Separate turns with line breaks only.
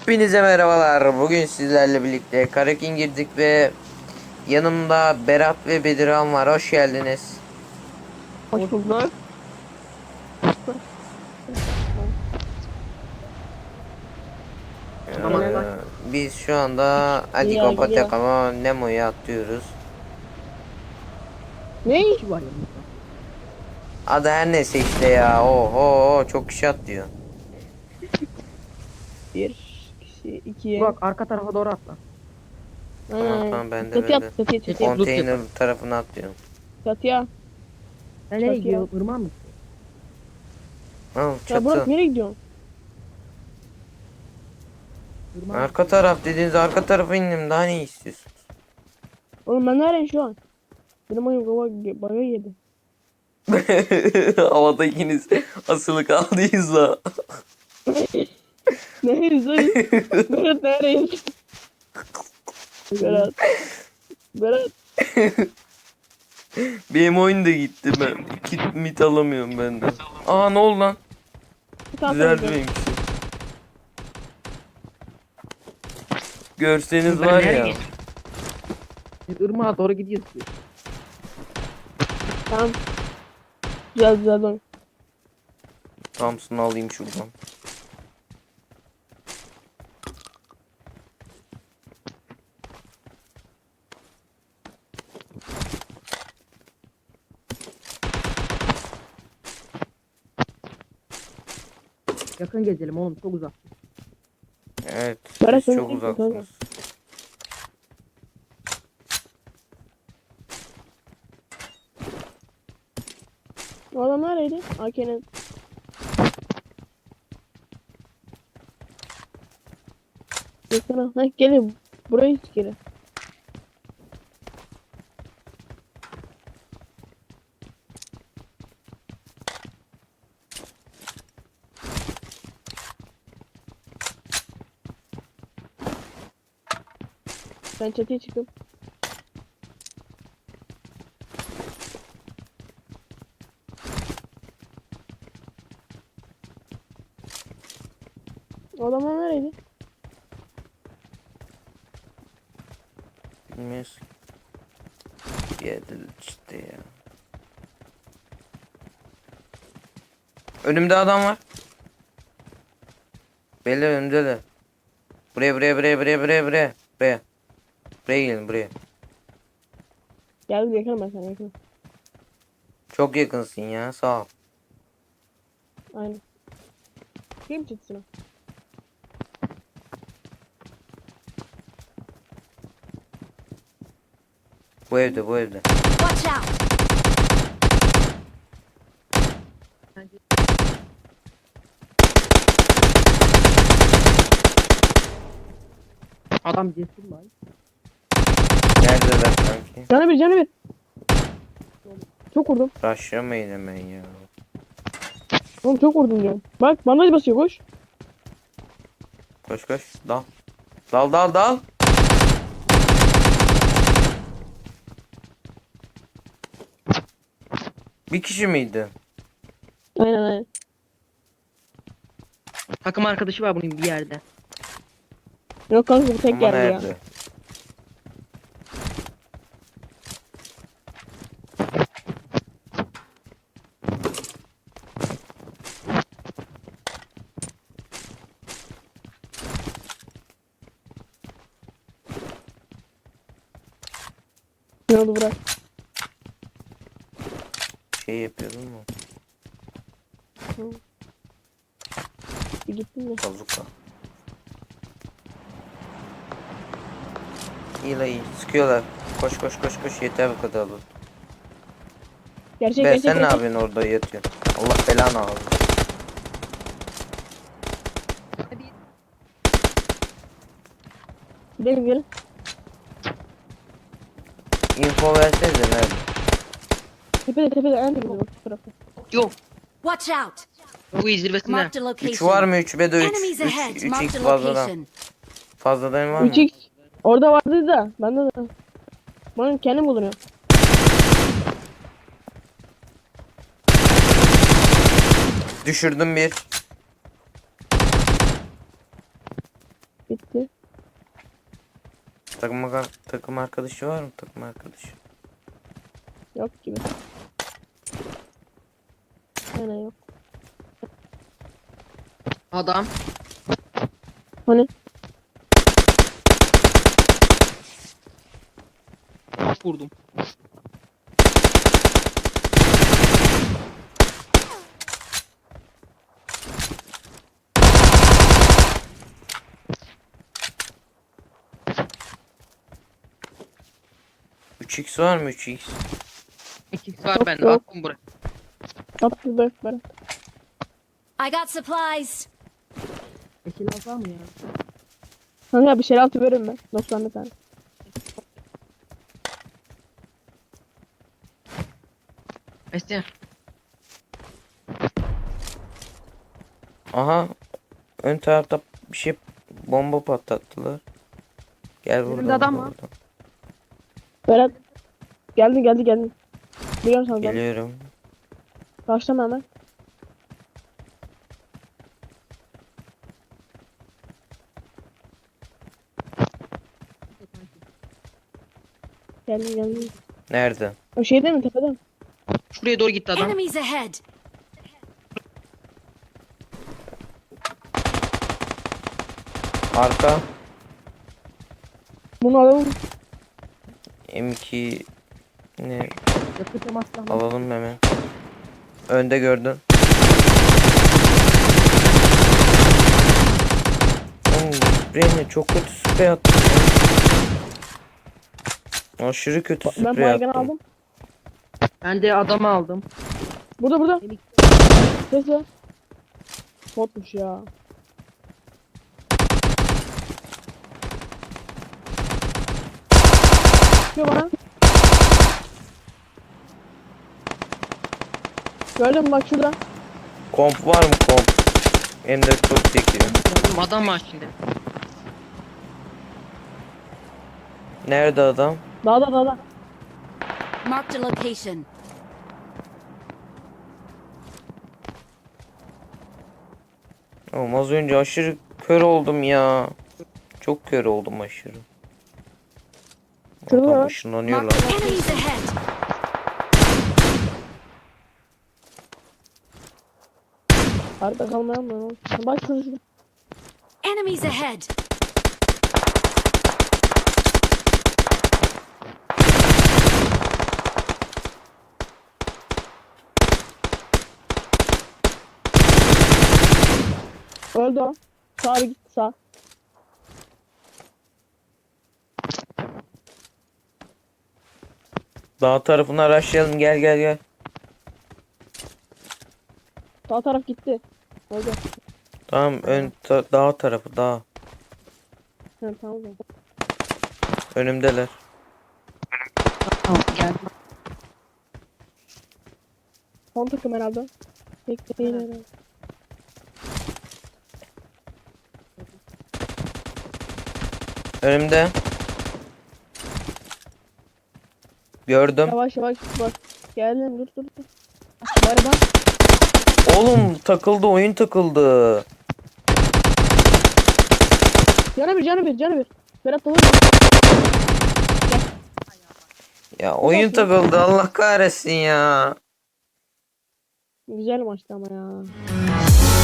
Hepinize merhabalar. Bugün sizlerle birlikte Karakin girdik ve yanımda Berat ve Bedirhan var. Hoş geldiniz.
Hoş bulduk.
Ee, biz şu anda
Geliyor,
Adigo
geliyor.
Patakama Nemo'ya atlıyoruz.
Ne iş var yanımızda?
Adı her neyse işte ya. Oho çok kişi atlıyor.
Bir kişi, iki.
Bak arka tarafa doğru atla.
Tamam ben de
Çatıya
böyle
at, çatıya.
konteyner tarafına atlıyorum.
Çatıya.
Sen nereye
Çatıya.
gidiyorsun? Irmağa mı?
Al
Ya Burak
çatı.
nereye gidiyorsun?
Irmağa mı?
Arka taraf dediğiniz arka tarafa indim. Daha ne istiyorsun?
Oğlum ben nereyim şu an? Benim oyun baga yedi.
Havada ikiniz asılı kaldıyız da.
Nereyiz lan? Berat nereyiz? Berat. Berat.
Benim oyun da gitti ben. Kit mit alamıyorum ben de. Aa ne oldu lan? Düzeldi benimkisi. Görseniz var ya.
Irmağa doğru gidiyorsun.
Tamam. Güzel oyun.
Thompson'ı alayım şuradan.
Yakın gezelim oğlum, çok uzak.
Evet.
Berat,
Siz
sen
çok
ne
uzaksınız.
O adam nereydi? AK'nin. Yakına. Ha gelin. Buraya hiç gelin. Ben çatıya çıktım. O adamlar nereydi?
Bilmiyoruz. Bir yerde işte ya. Önümde adam var. Belli önümde de. Buraya. Buraya gelin buraya.
Geldim yakınım ben sana yakınım.
Çok yakınsın ya sağ ol.
Aynen. Çıkayım çatısına.
Bu evde.
Watch out!
Adam cesur lan.
Neredeler sanki?
Canı bir. Çok vurdum.
Rushlamayın hemen ya.
Oğlum çok vurdum diyorum. Bak bandaj basıyor koş.
Koş. Dal. Bir kişi miydi?
Aynen.
Takım arkadaşı var bunun bir yerde.
Yok kanka bu tek
Ama
geldi ya.
nerede?
Ne oldu bırak.
Şey yapıyordum mu?
Bir gittin mi?
Bazuka. İyi. Sıkıyorlar. Koş. Yeter bu kadar olur.
Gerçek.
Sen ne yapıyorsun orada yatıyorsun? Allah belanı alsın.
Gidelim.
Info versenize nerede?
Tepede en tepede bak şu tarafta.
Yok.
Watch out!
Bu zirvesinde.
Marked a
3
location.
var mı? 3 ve de 3.
Enemies ahead.
3
Marked
x
a
fazladan.
location.
Fazladan var mı?
3x. Orada vardı da. Bende de. Ben kendim bulunuyor.
Düşürdüm bir. Takım arkadaşı var mı? Takım arkadaşı.
Yok gibi. Yani yok.
Adam.
Hani?
Vurdum.
Üç x var mı 3x?
2x var
Yok,
bende.
yok.
Attım buraya.
Attı da Berat.
I got supplies.
Eşil var mı ya?
Kanka bir şeyler altı veririm ben. 90 bir tane.
Mesle.
Aha. Ön tarafta bir şey bomba patlattılar. Gel
Önümde
buradan.
adam
buradan,
var.
buradan.
Berat. Geldin. Biliyorum sana.
Geliyorum.
Başlama hemen. Geldin.
Nerede?
O şeyde mi tepede mi?
Şuraya doğru gitti adam.
Enemies ahead.
Arka.
Bunu alalım.
M2 ne
Yakın temas silahı.
alalım hemen. Önde gördün. Spreyine çok kötü sprey attım. Aşırı kötü
Ben
sprey
baygın
attım.
aldım.
Ben de adamı aldım.
Burada. Ses ver. Botmuş ya. Çıkıyor bana. Gördün mü bak şurada.
Komp var mı komp? Hem de çok çekiyor.
Adam var şimdi.
Nerede adam?
Dağda.
Marked a location.
Oğlum az önce aşırı kör oldum ya. Çok kör oldum aşırı.
Şurada
Adam
var.
ışınlanıyorlar.
Enemies ahead.
Arada kalmayalım mı? Oğlum? Bak şurada.
Enemies ahead.
Öldü o. Sağa bir gitti sağ.
Dağ tarafına araştıralım gel.
Sağ taraf gitti. Öldü.
Tamam dağ tarafı dağ.
Evet tamam o zaman.
Önümdeler.
Tamam geldim.
Son takım herhalde. Tek değil herhalde.
Önümde. Gördüm.
Yavaş bak. Geldim dur. Bari bak.
Oğlum takıldı oyun takıldı.
Canı bir. Berat olur.
Ya oyun takıldı Allah kahretsin ya.
Güzel maçtı ama ya.